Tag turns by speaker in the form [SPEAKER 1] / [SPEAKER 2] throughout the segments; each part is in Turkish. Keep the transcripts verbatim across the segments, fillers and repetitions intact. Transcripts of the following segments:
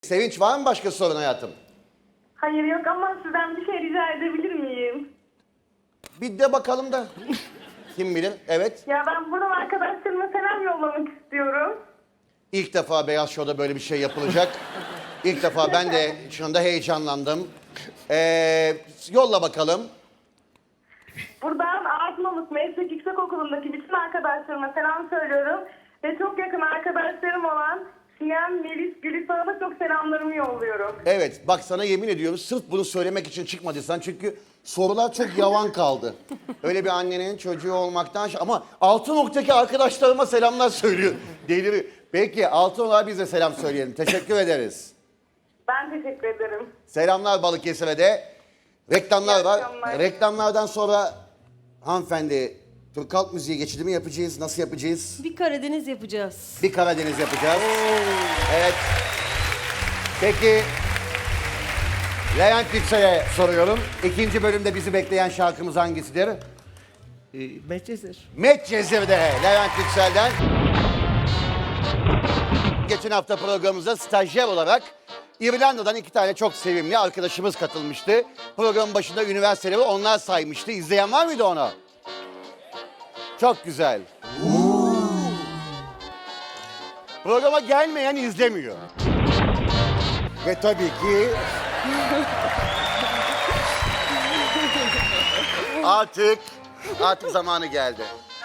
[SPEAKER 1] Sevinç, var mı başka sorun hayatım?
[SPEAKER 2] Hayır yok ama sizden bir şey rica edebilir miyim?
[SPEAKER 1] Bir de bakalım da. Kim bilir? Evet.
[SPEAKER 2] Ya ben buradan arkadaşlarıma selam yollamak istiyorum.
[SPEAKER 1] İlk defa Beyaz Show'da böyle bir şey yapılacak. İlk defa ben de şu anda heyecanlandım. Ee, yolla bakalım.
[SPEAKER 2] Buradan Artmalık Meslek Yüksekokulu'ndaki bütün arkadaşlarıma selam söylüyorum. Ve çok yakın arkadaşlarım olan Siyem, Melis, Gülistan'a çok selamlarımı yolluyorum.
[SPEAKER 1] Evet, bak sana yemin ediyorum sırf bunu söylemek için çıkmadıysan çünkü sorular çok yavan kaldı. Öyle bir annenin çocuğu olmaktan ama Altınok'taki arkadaşlarıma selamlar söylüyor. Deliriyor. Peki Altınok'a biz de selam söyleyelim. Teşekkür ederiz.
[SPEAKER 2] Ben teşekkür ederim.
[SPEAKER 1] Selamlar Balıkesir'e de. Reklamlar
[SPEAKER 2] İyi
[SPEAKER 1] var.
[SPEAKER 2] akşamlar.
[SPEAKER 1] Reklamlardan sonra hanımefendi Türk halk müziği geçidi mi yapacağız? Nasıl yapacağız?
[SPEAKER 3] Bir Karadeniz yapacağız.
[SPEAKER 1] Bir Karadeniz yapacağız. Evet. Peki Levent Yüksel'e soruyorum. İkinci bölümde bizi bekleyen şarkımız hangisidir?
[SPEAKER 4] E, Medcezir.
[SPEAKER 1] Medcezir'de Levent Yüksel'den. Geçen hafta programımıza stajyer olarak İrlanda'dan iki tane çok sevimli arkadaşımız katılmıştı. Programın başında üniversiteleri onlar saymıştı. İzleyen var mıydı onu? Çok güzel. Programa gelmeyen izlemiyor. Ve tabii ki artık artık zamanı geldi.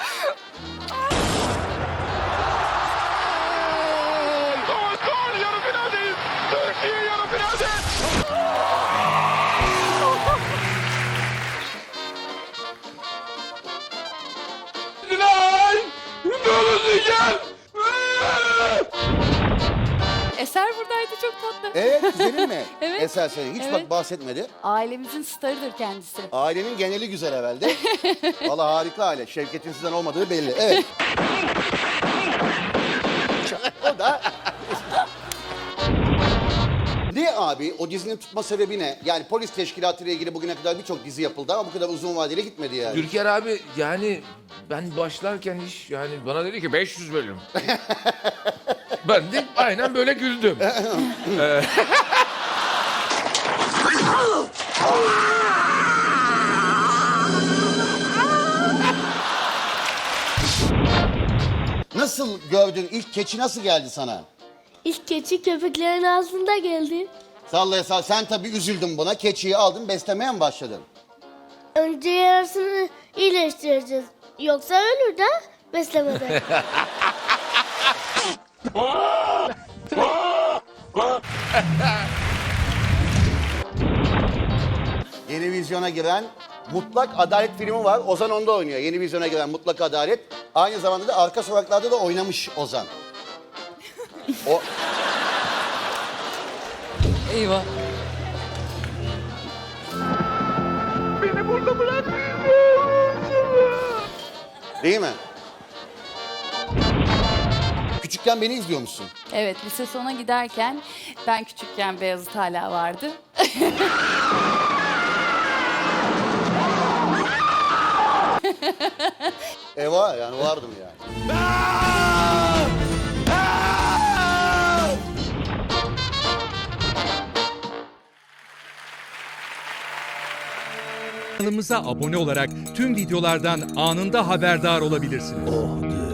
[SPEAKER 5] Gol gol yarı finaldeyiz. Türkiye yarı finalde. Final! Dönüşü gel!
[SPEAKER 6] Eser buradaydı, çok tatlı.
[SPEAKER 1] Evet, güzelim mi?
[SPEAKER 6] Evet.
[SPEAKER 1] Eser senin. Hiç bak
[SPEAKER 6] Evet.
[SPEAKER 1] bahsetmedi.
[SPEAKER 6] Ailemizin starıdır kendisi.
[SPEAKER 1] Ailenin geneli güzel herhalde. Vallahi harika aile. Şevket'in sizden olmadığı belli. Evet. O da... Ne abi? O dizinin tutma sebebi ne? Yani polis teşkilatı ile ilgili bugüne kadar birçok dizi yapıldı ama bu kadar uzun vadeli gitmedi yani.
[SPEAKER 5] Türker abi yani ben başlarken iş yani bana dedi ki beş yüz bölüm. Ben de aynen böyle güldüm. Ee,
[SPEAKER 1] Nasıl gördün? İlk keçi nasıl geldi sana?
[SPEAKER 7] İlk keçi köpeklerin ağzında geldi.
[SPEAKER 1] Sallaya sall. Sen tabii üzüldün buna. Keçiyi aldın, beslemeye mi başladın?
[SPEAKER 7] Önce yarasını iyileştireceğiz. Yoksa ölür de beslemeden.
[SPEAKER 1] Yeni vizyona giren Mutlak Adalet filmi var. Ozan onda oynuyor. Yeni vizyona giren Mutlak Adalet. Aynı zamanda da Arka Sokaklar'da da oynamış Ozan. O
[SPEAKER 6] Eyvah.
[SPEAKER 5] Beni burada bırakmayın.
[SPEAKER 1] değil mi? Küçükken beni izliyor musun?
[SPEAKER 6] Evet, lise sona giderken ben küçükken Beyazıt hala vardı.
[SPEAKER 1] E var yani vardım yani.
[SPEAKER 8] Kanalımıza abone olarak tüm videolardan anında haberdar olabilirsiniz.